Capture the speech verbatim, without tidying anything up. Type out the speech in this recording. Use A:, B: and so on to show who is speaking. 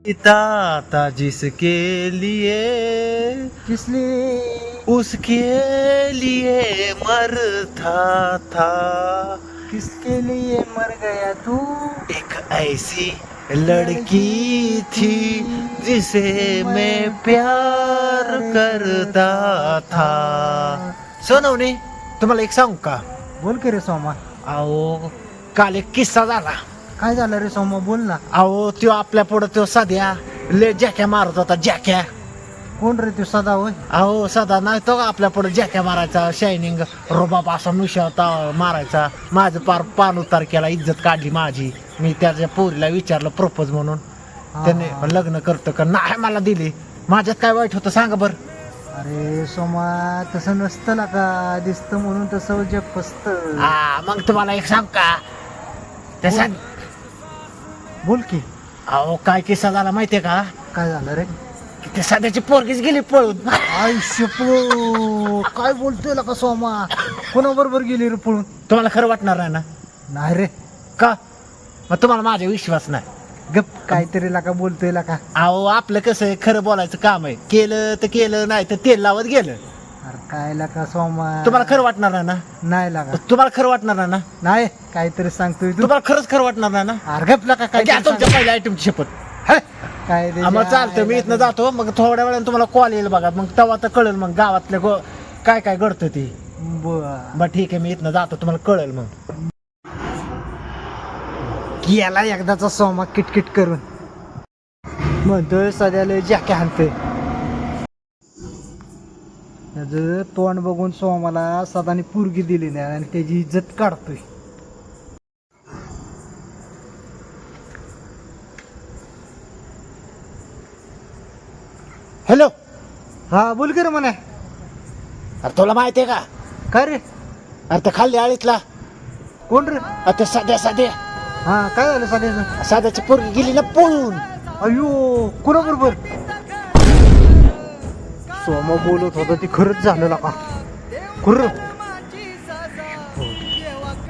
A: पिता था जिसके लिए
B: किस लिए
A: उसके लिए मरता था।
B: किसके लिए मर गया तू?
A: एक ऐसी लड़की थी जिसे मैं प्यार करता था. सोनवणे, तुम्हाला एक सांगू का?
B: बोल की रे सोमा.
A: अहो, काल एक किस्सा झाला.
B: काय झालं रे सोमा, बोल ना.
A: अहो, त्यो आपल्या पुढे त्यो सध्या ले जॅक्या मारत होता. जॅक्या
B: कोण रे तू? सदा होय?
A: अहो, सदा नाही तो का आपल्या पुढे जॅक्या मारायचा. शायनिंग रोबाब असा मिशा होता मारायचा. माझं पार पान उतार केला, इज्जत काढली माझी. मी त्याच्या पोरीला विचारलं प्रपोज म्हणून. त्याने
B: हा.
A: लग्न करतो का नाही मला दिली. माझ्यात काय वाईट होतं सांगा बर.
B: अरे सोमा, तसं नसतं ना का, दिसतं म्हणून तसं जग फसतं.
A: हा, मग तुम्हाला एक सांग का त्याचा.
B: बोल की.
A: अहो, काय किस्सा झाला माहितीये का?
B: काय झालं रे?
A: की ते सध्याची पोरगीच गेली पळून.
B: आयुष्य काय बोलतोय का सोमा? कोणाबरोबर गेली रे पळून?
A: तुम्हाला खरं वाटणार नाही ना?
B: नाही रे.
A: का? मग तुम्हाला माझा विश्वास नाही.
B: गप, काहीतरी लाका बोलतोय का.
A: अहो, आपलं कसं आहे, खरं बोलायचं काम आहे. केलं तर केलं, नाही तर तेल लावत गेलं.
B: अरे काय लाका सोमा?
A: तुम्हाला खरं वाटणार नाही ना?
B: नाही लागा.
A: तुम्हाला खरं वाटणार नाही ना?
B: नाही, काहीतरी सांगतोय तू.
A: तुम्हाला खरंच खरं वाटणार नाही ना?
B: अरे गप लाका, काय
A: घ्या तुमच्या पहिल्या आयटमची शपथ.
B: काय रे?
A: मग चालतं, मी इथनं जातो. मग थोड्या वेळाने तुम्हाला कॉल येईल बघा. मग तेव्हा तर कळेल मग गावातल्या गो काय काय घडतं ते.
B: बर.
A: बरं ठीक आहे, मी इथनं जातो, तुम्हाला कळेल मग.
B: गेला एकदाचा सोमा किटकिट करून. म्हणतोय सध्याला जॅके हाणतोय. त्याचं तोंड बघून सोमाला सदानी पुरगी दिली नाही आणि त्याची इज्जत काढतोय.
A: हॅलो.
B: हा बोल की रे म्हणे.
A: अरे तुला माहिती आहे का?
B: काय रे?
A: अरे ते खाल्ली आळीतला.
B: कोण रे?
A: अरे ते साध्या साध्या
B: हा, काय झालं सध्याचं?
A: साध्याची पोरगी गेली ना पळून.
B: अयो, कोणाबरोबर? सोमा बोलत होता ती खरंच झालं का? खरं?